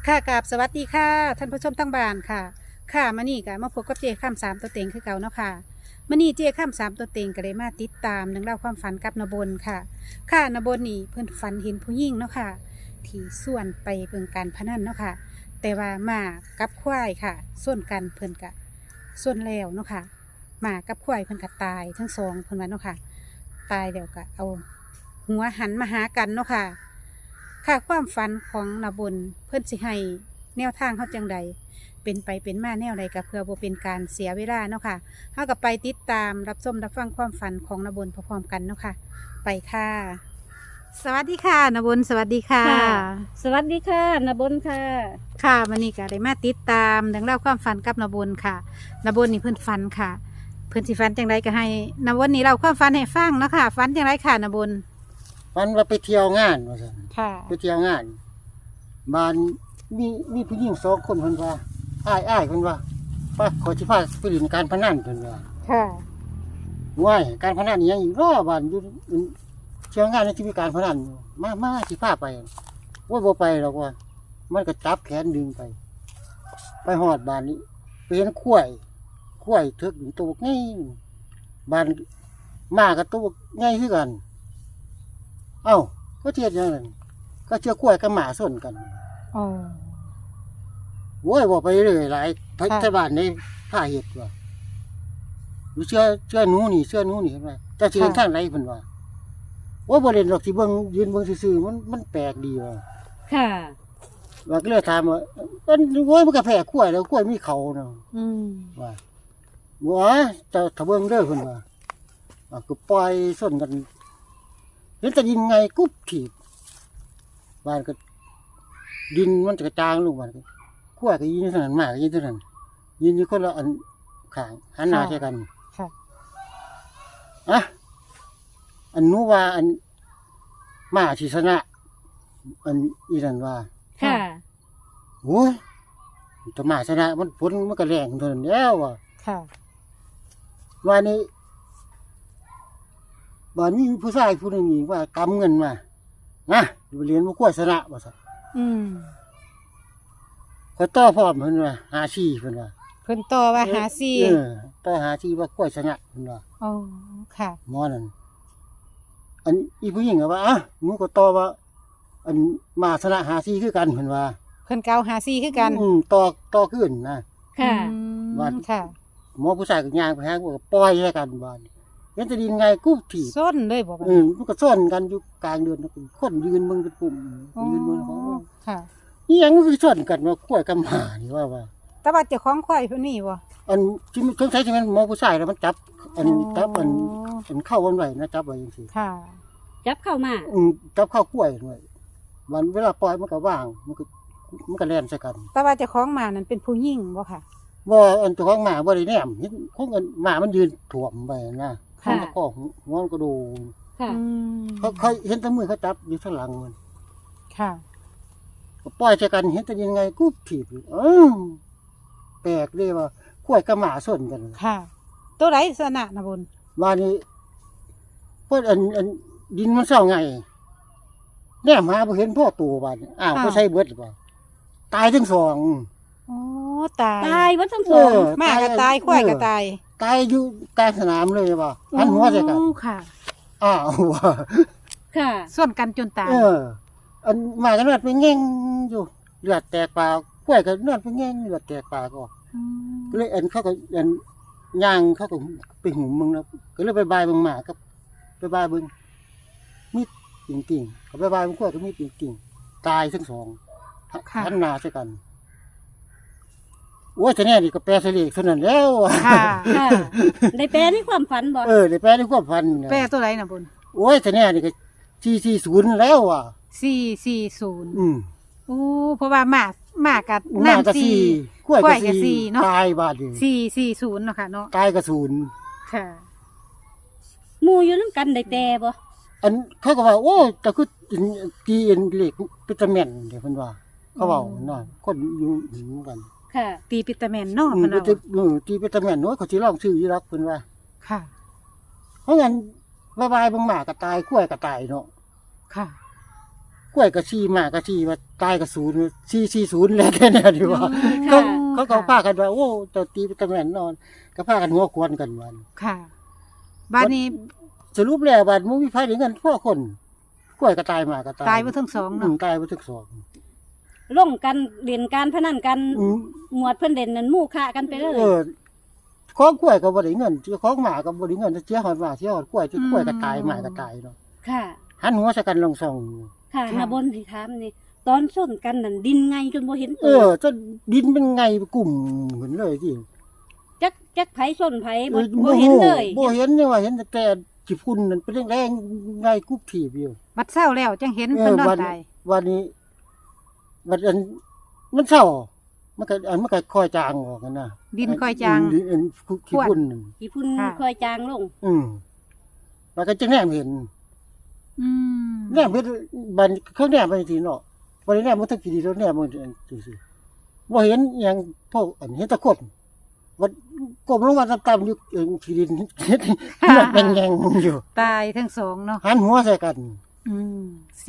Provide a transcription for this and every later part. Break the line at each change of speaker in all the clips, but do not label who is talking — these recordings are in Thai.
ค่ะกราบสวัสดีค่ะท่านผู้ชมทั้งบ้านค่ะค่ะมื้อนี้ก็มาพบกับเจ้าข้ามสามตัวเต็งคือเก่าเนาะค่ะมื้อนี้เจ้าข้ามสามตัวเต็งก็เลยมาติดตามเรื่องเล่าวความฝันกับนบนค่ะค่ะนบนนี่เพิ่นฝันเห็นผู้หญิงเนาะค่ะที่ส่วนไปเบิ่งการพนันเนาะค่ะแต่ว่าหมากับควายค่ะส่วนกันเพิ่นกะส่วนแล้วเนาะค่ะหมากับควายเพิ่นก็ตายทั้งสองเพิ่นว่าเนาะค่ะตายแล้วก็เอาหัวหันมาหากันเนาะค่ะ ค่ะความฝันของนบนเพื่อนสิให้แนวทางเขาจังใดเป็นไปเป็นมาแนวใดก็เพื่อบ่เป็นการเสียเวลาเนาะค่ะเฮาก็ไปติดตามรับชมรับฟังความฝันของนบนพร้อมๆกันเนาะค่ะไปค่ะ สวัสดีค่ะนบนสวัสดีค่ะ
ค่ะสวัสดีค่ะนบนค่ะ
ค่ะวันนี้ก็ได้มาติดตามเรื่องเล่าวความฝันกับนบนค่ะนบนนี่เพื่อนฝันค่ะ เพื่อนสิฝันจังใดก็ให้นบนนี่เราความฝันให้ฟังเนาะค่ะฝันจังไรค่ะนบน
มันว่าไปเที่ยวงานว่าซั่น
ค่ะ
ไปเที่ยวงานบ้านมีผู้หญิง2คนเพิ่นว่าอ้ายเพิ่นว่าป้าขอสิพาไปเล่นการพนันเพิ่นว่า
ค่ะ
ว้ายการพนันอีหยังอีกรอบ้านอยู่เที่ยวงานนี่สิมีการพนันอยู่มาสิพาไปว่าบ่ไปหรอกว่ามันก็จับแขนดึงไปฮอดบ้านนี้ไปเห็นข้วยถึกอยู่ตัวใหญ่บ้านมาก็ตัวใหญ่คือกัน เอ้าก็เทียดอย่างนั้นก็เชื่อกล้วยกับหมาส่วนกัน
อ๋อ
โว้ยบอกไปเรื่อยหลาย
ค่ะ
ไทบ้านในผ้าเห็ดว่ะหรือเชื่อหนูนี่เห็นไหมแต่เชื่อข้างไรเพิ่นว่าว่าบ่เล่นหรอกสิเบิ่งยืนเบิ่งซื่อๆมันแปลกดีว่ะ
ค่ะ
ว่าก็เลยถามว่ามันโว้ยมันก็แพ้กล้วยแล้วกล้วยมีเขาเนาะ
อืม
ว่าบ่จะถ้าเบิ่งเด้อเพิ่นว่าก็ปล่อยส่วนกันเห็นแต่ดินไงกุ๊บถีบบ้านก็ดินมันจะกระจางลงบ้านก็ขั้วก็ยินเท่านั้นมากยินเท่านั้นยินอยู่คนละอันข้างหันหน้าใส่กัน
ค่ะ
อะอันนู้ว่าอันมาชิสนะอันอีนั่นว่า
ค่ะ
โอ้ยถ้ามาชนะมันผลมันก็แรงเท่านั้นแล้วว่ะ
ค่ะ
ว่านี้บ้านนี้มีผู้ชายผู้หนึงนี่ว่ากำเงินมานะอยู่เรียนมาขั้วชนะว่าซั่น
อืม
ขอยต่อพร้อมเพิ่นว่า54เพิ่นว่า
เพิ่นต่อว่าหาซี
ต่อ54ว่าขั้วชนะเพิ่นว่า
อ๋อค่ะ
หมอนั่นอันอีผู้หญิงก็ว่าอ่ะหนูก็ต่อว่า อันมาชนะ54คือกันเพิ่นว่า
เพิ่นเกาหาซีคือกัน
ต่อขึ้นนะ
ค่ะ
อืม
วัน
ค่ะ
หมอผู้ชายก็ย่างไปหาก็ปล่อยให้กันบ้านเห็นจะดีไงกูถีบ
ส้นเลยบ่บัด
มันก็ซ่อนกันอยู่กลางเดือนคนยืนมึงเป็นกลุ่ม
อ๋อ
ยืนมึงของ
ค่ะ
นี่ยังมันคือซ่อนกันว่ากล้วยกับหมานี่ว่า
แต่ว่าเจ้าของควายเพิ่นนี่บ่
อันที่มันเครื่องใช้ที่มันหมอผู้ชายแล้วมันจับอัน
อ๋อ
จับอันเข้าวันไว้นะจับไว้จังซี่
ค่ะ
จับเข้ามา
จับเข้ากล้วยด้วยวันเวลาปล่อยมันก็ว่างมันก็แล่นใส่กัน
แต่ว่าเจ้าของหมานั่นเป็นผู้หญิงบ่ค่ะ
ว่าอันเจ้าของหมาบ่ได้แนมเห็นของอันหมามันยืนถ่วมไปนะ
ค่ะ
มันก็หัวมันก็ดู
ค่ะ
อืม
เขาเห็นแต่มือเขาจับอยู่ข้างหลังมัน
ค่ะ
ก็ปล่อยใส่กันเห็นแต่ยังไงกูถีบอยู่แปลกเลยว่ากล้วยกับหมาส่วนกัน
ค่ะ ตัวไหนสนะนะบุญ
ว่านี้เพิ่นอันดินมันเศร้าไงแนมหาบ่เห็นพ่อตัวบาดนี้อ้าวก็ใช้เบิดหรือเปล่าตายทั้งสอง
อ๋อตาย
ตายวัดทั้งสอง
หมาก็ตายควายก็ตาย
ตายอยู่กลางสนามเลยว่าหันหัวใส่กัน
อ๋อค่ะ
อ้าวว่า
ค่ะ
ส่วนกันจนตาย
อันหมาก็เลือดไปแง่งอยู่เลือดแตกปากกล้วยก็เลือดไปแง่งเลือดแตกปากก็ ก็เลยอันเขาก็อันย่างเขาก็ไปหุมมึงแล้วก็เลยไปบายมึงหมากับไปบายมึงมีจริงๆกับไปบายมึงกล้วยก็มีจริงๆตายทั้งสองทันนาใช่กันโอ้ยแต่แน่นี่ก็แปลเสลีกเท่านั้นแล้ว
ค่ะ
ค่ะได้แปลในความฝันบ่
ได้แปลได้ความพัน
แปลตัวไหนนะบุญ
โอ้ยแต่แน่นี่ก็440แล้วอ่ะ
440
อืม
โอ้เพราะว่าหมากัด
หน้าก็
น้ำสี่
4กล้วย
กล้วย
ก็
ก็สี่
4
เนาะ
ตายบาดนี้
440เนาะค่ะเนาะ
ตายก็ศูนย์
ค่ะ
หมู่อยู่นำกันได้แต่บ่
อันเขาก็ว่าโอ้แต่คือตีเอ็นเหล็กเป็นตะแม่นเดี๋ยวเพิ่นว่า เขาเว้าเนาะคนอยู่หิวกัน
ค่ะ
ตีปิตาแมนเนาะ
อืม
เพิ่น
ไป
เอา
ตีเป็นตะแม่นเนาะเขาสิลองซื้ออยู่รักเพิ่นว่า
ค่ะ
เพราะงั้นบายบายเบิ่งหมาก็ตายกล้วยก็ตายเนาะ
ค่ะ
กล้วยก็ชี้หมากก็ชี้ว่าตายก็0 440แล้วแค่นั้นดีว่า
ค่ะ
เขาก็พากันว่าโอ้เจ้าตีไปตำแหน่งนอนก็พากันหัวควนกันวัน
ค่ะบ้านนี้
สรุปแล้วบัดบ่มีไผได้เงินพ่อคนกล้วยก็ตายหมากก็ตาย
ตายไปทั้งสองเนาะ
ตายไปทั้งสอง
ร่วมกันเล่นการพนันกัน
อืม
หมวดเพิ่นเล่นนั่นหมู่ฆ่ากันไปเลย
ของกล้วยก็บ่ได้เงินของหมาก็บ่ได้เงินเสียหอดหมาเสียหอดกล้วยกล้วยก็ตายหมาก็ตายเนาะ
ค่ะ
หันหัวใส่กันลงส่อง
ค่ะนาบนสิถามนี่ตอนส้นกันนั่นดินไงจนบ่เห็น
จนดินเป็นไงกลุ่มเหมือนเลยที่
จักไผส้นไผบ่เห็นเลย
บ่เห็นนี่ว่าเห็นแต่ที่พุ่นนั่นเป็นแรงๆไงกุบถีบอยู่
บัดเศร้าแล้วจังเห็นเพิ่นนอนตาย
วันนี้วันอันมันเศร้ามันก็ค่อยจางออกกันนะ
ดินค่อยจาง
ดินขี้พุ่นนั่น
อีพุ่น
ค่ะ
ค่อยจางลง
มันก็จะแนมเห็น
อืม
แนมเห็นบันเขาแนมไปทีเนาะวันนี้แนมมันต้องกี่ดีแล้วแนมมันดูสิบ่เห็นอหยังพวกอันเห็นแตะคนวันกลมลงมาต่ำๆอยู่ที่ดินเห็นเป็นแยงอยู่
ตายทั้งสองเนาะ
หันหัวใส่กัน
อืม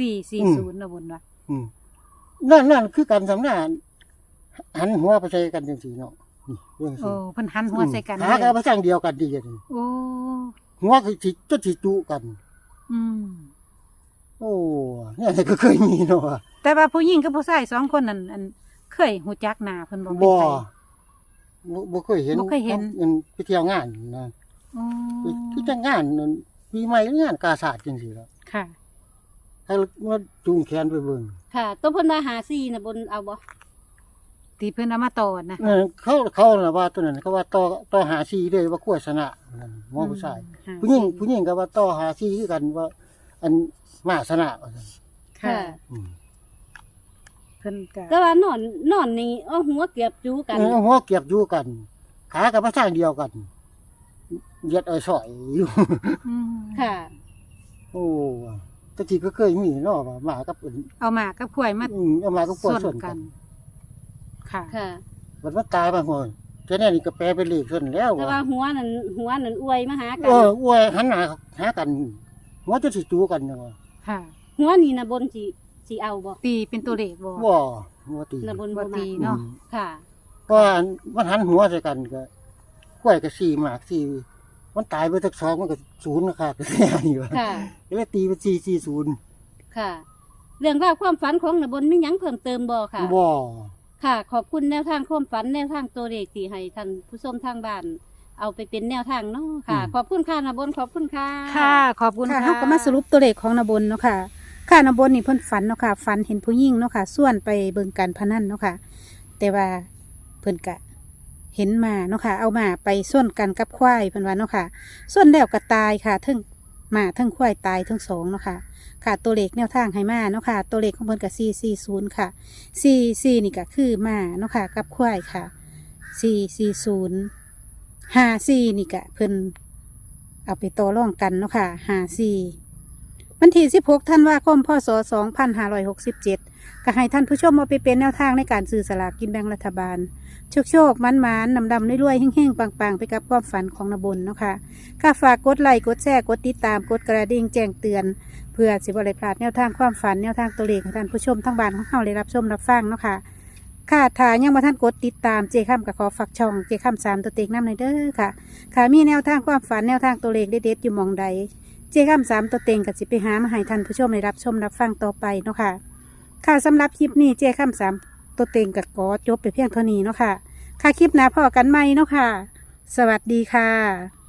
440นะบนว่า
อืมนั่นคือการสำนักหันหัวไปใส่กันจังซี่เนาะนี่เรื่องสิ
โอ้เพิ่นหันหัวใส่กัน
หากันไปสร้างเดียวกันดีกัน
โอ้
หัวคือสิจนสิจุกัน
อืม
โอ้เนี่ยก็เคยมีเนาะ
แต่ว่าผู้หญิงกับผู้ชายสองคนนั่นอันเคยหูจักหน้าเพิ่นบ่เป็น
บ่
ไผ
บ่เคยเห็น
บ่เคยเห็น
ไปเที่ยวงานนะ
อ๋อ
ที่จังงานนั่นปีใหม่หรืองานกาชาดจังซี่ล่ะ
ค่ะ
ให้มาจูงแขนไปเบิ่ง
ค่ะตัวเพิ่นว่าหาซี่น่ะบนเอาบ่
ที่เพิ่นเอามาต่อนะ
นั่นเขาน่ะว่าตัวนั้นเขาว่าต่อหาซีเด้ว่ากล้วยชนะนั่นหมอผู้ชาย
อืม
ผู้หญิงก็ว่าต่อหาซีคือกันว่า อันมาชนะว่าซั่น
ค่ะ
อืม
เพิ่นก็
แต่ว่านอนนี่เอาหัวเกือบจูกัน
หัวเก็บอยู่กัน ขากับประสานเดียวกันเหยียดสอยอยู่
อืม
ค่ะ
โอ้แตะกี้ก็เคยมีเนาะว่าหมากับอื่น
เอาหมากกับขวายมา
เอามาก็กล้วย
ส่
ส่
ว
วน น
กั
กัน น
ค่ะ
ค่ะ
มันว่าตายมาหัวแต่แน่นี่ก็แปลเป็นเลขส่วนแล้ว
แต่ว่าหัวนั่นอวยมาหากัน
อวยหันหน้าหากันหัวจะสิจูกันเนาะ
ค่ะ
หัวนี่น่ะบนสิเอาบ่
ตีเป็นตัวเลขบ่
บ่ตี
น่ะบน
บ่
บ่
ตี
มา
เนาะ
ค่ะ
เพราะว่ามันหันหัวใส่กันก็กล้วยก็4หมาก4มันตายไปทั้งสองมันก็0นะครับ แค่นี้ว่า
ค่ะ
แล้วตีเป็น440
ค่ะ เรื่องราวความฝันของนบนมีหยังเพิ่มเติมบ่ค่ะ
บ่
ค่ะ ขอบคุณแนวทางความฝันแนวทางตัวเลขที่ให้ท่านผู้ชมทางบ้านเอาไปเป็นแนวทางเนาะค่ะ ขอบคุณค่ะนบนขอบคุณค่ะ
ค่ะ ขอบคุณค่ะเขาก็มาสรุปตัวเลขของนบนเนาะค่ะ ค่ะนบนนี่เพิ่นฝันเนาะค่ะ ฝันเห็นผู้หญิงเนาะค่ะ ส่วนไปเบิ่งการพนันเนาะค่ะ แต่ว่าเพิ่นกะเห็นหมาเนาะค่ะ เอาหมาไปส่วนกันกับควายเพิ่นว่าเนาะค่ะ ส่วนแล้วก็ตายค่ะทั้งหมาทั้งควายตายทั้งสองเนาะค่ะ ค่ะตัวเลขแนวทางให้มาเนาะค่ะ ตัวเลขของเพิ่นก็440ค่ะ44นี่ก็คือหมาเนาะค่ะ กับควายค่ะ440 54นี่ก็เพิ่นเอาไปต่อรองกันเนาะค่ะ54วันที่16ธันวาคมพศ2567ก็ให้ท่านผู้ชมเอาไปเป็นแนวทางในการซื้อสลากกินแบ่งรัฐบาล โชคมันนำรวยๆเฮงๆปังๆไปกับความฝันของนบนเนาะค่ะก็ฝากกดไลค์กดแชร์กดติดตามกดกระดิ่งแจ้งเตือน เพื่อสิบ่ได้พลาดแนวทางความฝันแนวทางตัวเลขให้ท่านผู้ชมทั้งบ้านของเฮาได้รับชมรับฟังเนาะค่ะค่ะถ้ายังบ่ทันกดติดตามเจค่ำก็ขอฝากช่องเจค่ำ3ตัวเต็งนำในเด้อค่ะค่ะมีแนวทางความฝันแนวทางตัวเลขเด็ดๆอยู่หม่องใดเจค่ำ3ตัวเต็งก็สิไปหามาให้ท่านผู้ชมได้รับชมรับฟังต่อไปเนาะค่ะค่ะสำหรับคลิปนี้เจค่ำ3ตัวเต็งก็ขอจบไปเพียงเท่านี้เนาะค่ะค่ะคลิปหน้าพอกันใหม่เนาะค่ะ สวัสดีค่ะ